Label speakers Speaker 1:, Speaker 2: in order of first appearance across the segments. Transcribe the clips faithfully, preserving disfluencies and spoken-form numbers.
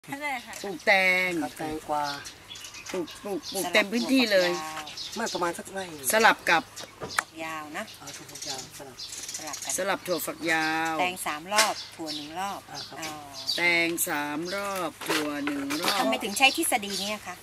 Speaker 1: ปลูกแตง
Speaker 2: แตงกวา
Speaker 1: ปลูกปลูกปลูกเต็มพื้นที่เลย
Speaker 2: มากประมาณสักไร่
Speaker 1: สลับกับ
Speaker 3: ฝักยาวนะ
Speaker 2: ถั่วฝักยาวสลับ
Speaker 3: สลับกัน
Speaker 1: สลับถั่วฝักยาว
Speaker 3: แตงสามรอบถั่วหนึ่งรอบ
Speaker 1: แตงสามรอบถั่วหนึ่งรอบ
Speaker 3: ทำไมถึงใช้ทฤษฎีนี้คะ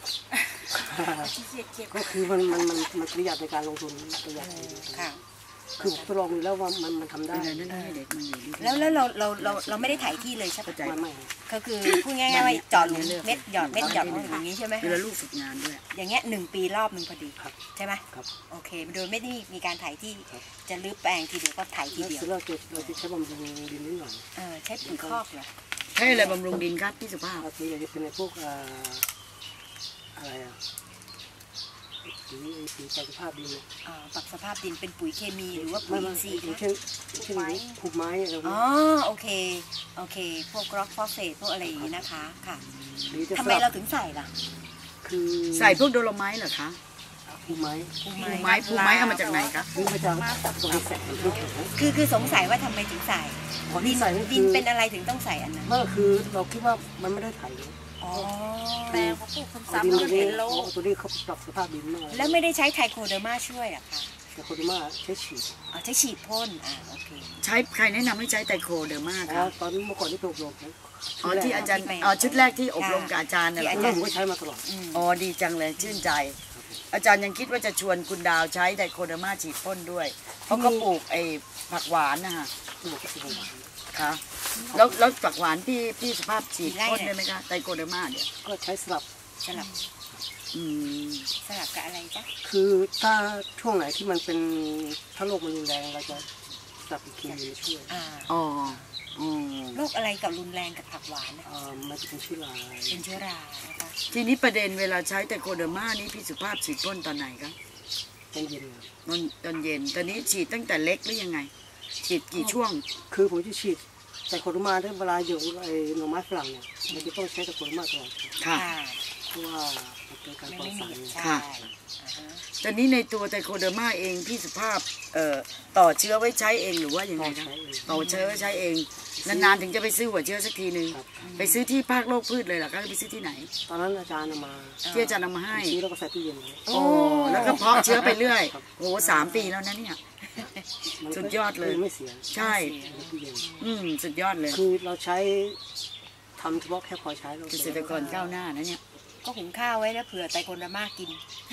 Speaker 2: ก็คือมันมันมันมันประหยัดในการลงทุนประหยัด
Speaker 3: ค่ะ
Speaker 2: คือทดลองดูแล้วว่ามันมันทำได้
Speaker 3: แล้วแล้วเราเราเราเราไม่ได้ถ่ายที่เลยใช่ไหมไม่ก็คือพูดง่ายๆว่าเจาะหลุมเม็ดหยอดเม็ดหยอดอย่างนี้ใช่ไหม
Speaker 1: เวลาลูกฝึกงานด้วย
Speaker 3: อย่างเงี้ยหนึ่งปีรอบหนึ่งพอดีใช่ไหมโอเคโดยไม่ได้มีการถ่ายที่จะรื้อแปลงทีเดียวก็ถ่ายทีเดียว
Speaker 2: เราจะเราจะใช้บำรุงดินนิดหน่อย
Speaker 3: เออใช้ปุ๋ยคอกเหรอ
Speaker 1: ใช่อะไรบำรุงดินครับพี่สุภาพ
Speaker 2: คืออยากจะเป็นในพวกอะไรอ่ะปุ๋ยปุ๋ยปรับสภาพดิน
Speaker 3: อ่าปรับสภาพดินเป็นปุ๋ยเคมีหรือว่าปุ๋ยอินทรีย์
Speaker 2: เช่นเช่นผูกไม้อะไร
Speaker 3: อ๋อโอเคโอเคพวกร็อกฟอสเฟตพวกอะไรอย่างนี้นะคะค่ะทำไมเราถึงใส่ล่ะ
Speaker 1: คือใส่พวกโดโลไมต์เหรอคะ
Speaker 2: ผูกไม้
Speaker 1: ผูกไม้ผูกไม้เอามาจากไหนคะ
Speaker 2: คือมาจากตรงนี้แสง
Speaker 3: คือคือสงสัยว่าทำไมถึงใส่ดินดินเป็นอะไรถึงต้องใส่อันนั้น
Speaker 2: ก็คือเราคิดว่ามันไม่ได้ไถ
Speaker 3: อ๋อ
Speaker 4: แปลงเขาปลูกซ้ำๆแล้วเห็นโล
Speaker 2: ตัวนี้เขาปรับสภาพดินมาก
Speaker 3: แล้วไม่ได้ใช้ไทโคเดอร์มาช่วยอ่ะค่ะ
Speaker 2: ไทโคเดอร์มาใช้ฉีด
Speaker 3: อ๋อใช้ฉีดพ่นอ่าโอเค
Speaker 1: ใช้ใครแนะนำให้ใช้ไทโคเดอร์มาคะ
Speaker 2: ตอนเมื่อก่อนที่อบรม
Speaker 1: อ๋อที่อาจารย์อ๋อชุดแรกที่อบรมกับอาจารย์เนี่ย
Speaker 2: ผมก็ใช้มาตลอด
Speaker 1: อ๋อดีจังเลยชื่นใจอาจารย์ยังคิดว่าจะชวนคุณดาวใช้ไทโคเดอร์มาฉีดพ่นด้วยเพราะเขาปลูกไอ้ผักหวานนะคะค่ะแล้วแล้วผักหวานพี่พี่สุภาพฉีดพ่นได้ไหมคะไทโคเดอร์มาเนี่ย
Speaker 2: ก็ใช้สลับ
Speaker 3: สลับ
Speaker 1: อืม
Speaker 3: สลับกับอะไรจ๊ะ
Speaker 2: คือถ้าช่วงไหนที่มันเป็นถ้าโรคมันรุนแรงเราจะสลับอีกทีนึงช่วย
Speaker 1: อ๋อ
Speaker 3: โรคอะไรกับรุนแรงกับผักหวาน
Speaker 2: อ่ามันจะเป็นเชื้อรา
Speaker 3: เป็นเชื้อรานะคะ
Speaker 1: ทีนี้ประเด็นเวลาใช้ไทโคเดอร์มานี่พี่สุภาพฉีดพ่นตอนไหนคะ
Speaker 2: ตอนเย็น
Speaker 1: ตอนตอนเย็นตอนนี้ฉีดตั้งแต่เล็กหรือยังไงฉีดกี่ช่วง
Speaker 2: คือผมจะฉีดไทโคเดอร์มาถ้าเวลาอยู่ไอ้หน่อไม้ฝรั่งเนี่ยมันจะต้องใช้ไทโคเดอร์มาตลอด
Speaker 1: ค่ะ
Speaker 2: เพราะว่าเป็นการปลอดสาร
Speaker 1: ค่ะตอนนี้ในตัวไทโคเดอร์มาเองพี่สุภาพเอ่อต่อเชื้อไว้ใช้เองหรือว่ายังไงคะต่อเชื้อไว้ใช้เองนานๆถึงจะไปซื้อหัวเชื้อสักทีนึงไปซื้อที่ภาคโลกพืชเลยเหรอคะไปซื้อที่ไหน
Speaker 2: ตอนนั้นอาจารย์เอามา
Speaker 1: ที่อาจารย์เอามาให้
Speaker 2: ซื้อแล้วก็ใส่ตู้เย็น
Speaker 1: โอ้แล้วก็เพาะเชื้อไปเรื่อยโอ้สามปีแล้วนะเนี่ยสุดยอดเลย
Speaker 2: ไม่เสีย
Speaker 1: ใช่อืมสุดยอดเลย
Speaker 2: คือเราใช้ทำเฉพาะแค่พอใช้
Speaker 1: เกษตรกรก้าวหน้านะเนี่ย
Speaker 3: ก็หุงข้าวไว้แล้วเผื่อไทโคเดอร์มากิน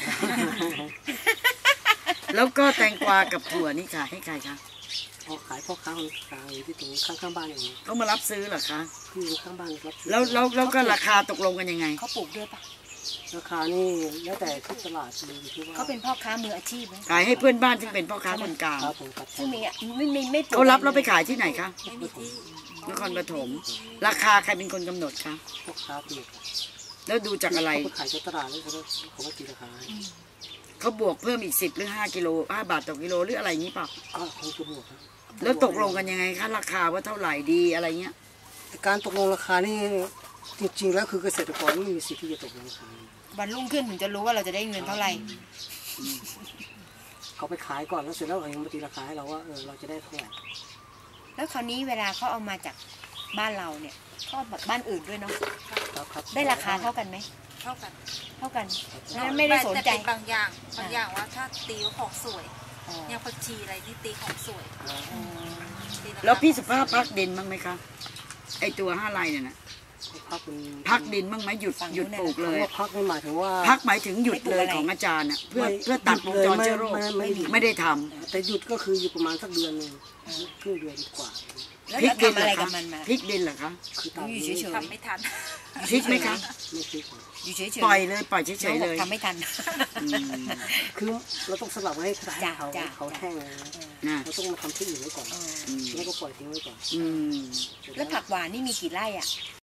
Speaker 1: แล้วก็แตงกวากับถั่วนี่ขายให้ใครคะ
Speaker 2: ขายพ่อค้าคนกลางอยู่ที่ตรงข้างข้างบ้านอย่างนี้
Speaker 1: เขามารับซื้อเหรอคะ
Speaker 2: คือข้างบ้านรับ
Speaker 1: แล้วแล้วแล้วก็ราคาตกลงกันยังไง
Speaker 3: เขาปลูกด้วยปะ
Speaker 2: ราคานี่แล้วแต่ที่ตลาดเลยที่ว่า
Speaker 3: เขาเป็นพ่อค้ามืออาชีพไหม
Speaker 1: ขายให้เพื่อนบ้านซึ่งเป็นพ่อค้าคนกลาง
Speaker 3: ซึ่งมีไม่ไม่ไม่
Speaker 1: เขารับเราไปขายที่ไหนคะนครปฐมราคาใครเป็นคนกำหนดคะ
Speaker 2: พ่อค้าเปียก
Speaker 1: แล้วดูจากอะไร
Speaker 2: เขาขายในตลาดแล้วเขาเขาก็ตีราคา
Speaker 1: เขาบวกเพิ่มอีกสิบหรือห้ากิโลห้าบาทต่อกิโลหรืออะไรอย่างนี้เปล่า
Speaker 2: ก็คงจะบวกครับ
Speaker 1: แล้วตกลงกันยังไงคะราคาว่าเท่าไหร่ดีอะไรเงี้ย
Speaker 2: การตกลงราคานี่จริงๆแล้วคือเกษตรกรไม่มีสิทธิ์ที่จะตกลงราคา
Speaker 3: วันรุ่งขึ้นถึงจะรู้ว่าเราจะได้เงินเท่าไหร่
Speaker 2: เขาไปขายก่อนแล้วเสร็จแล้วเขายังมาตีราคาให้เราว่าเออเราจะได้เท่าไหร่
Speaker 3: แล้วคราวนี้เวลาเขาเอามาจากบ้านเราเนี่ยเขาแบบบ้านอื่นด้วยเนาะได้ราคาเท่ากันไหม
Speaker 4: เท่ากัน
Speaker 3: เท่ากันนั่นไม่ได้สนใจ
Speaker 4: บางอย่างบางอย่างว่าถ้าตีของสวยอย่างผักชีอะไรที่ตีของสวย
Speaker 1: แล้วพี่สุภาพพักดินบ้างไหมคะไอตัวห้าไร่เนี่ยนะพักดินบ้างไหมหยุดหยุดปลูกเลย
Speaker 2: พักไม่หมายถึงว่า
Speaker 1: พักหมายถึงหยุดเลยของอาจารย์อ่ะเพื่อเพื่อตัดวงจรเชื้อโรคไม่ได้ทำ
Speaker 2: แต่หยุดก็คืออยู่ประมาณสักเดือนหนึ่งครึ่งเดือนกว่า
Speaker 3: พริกดินอะไรกับมันมา
Speaker 1: พริกดินเหรอคะ
Speaker 3: อยู่เฉยๆ
Speaker 4: ทำไม่ทัน
Speaker 1: พริกไหมคะ
Speaker 2: ไม่พริก
Speaker 3: อยู่เฉยๆ
Speaker 1: ปล่อยเลยปล่อยเฉยๆเลย
Speaker 3: ทำไม่ทัน
Speaker 2: คือเราต้องสลับไว้ให้เขาเขาแห้งเราต้องมาทำที่อื่นไว้ก่อนแล้วก็ปล่อยทิ้งไว้ก่อน
Speaker 3: แล้วผักหวานนี่มีกี่ไร่อ่ะ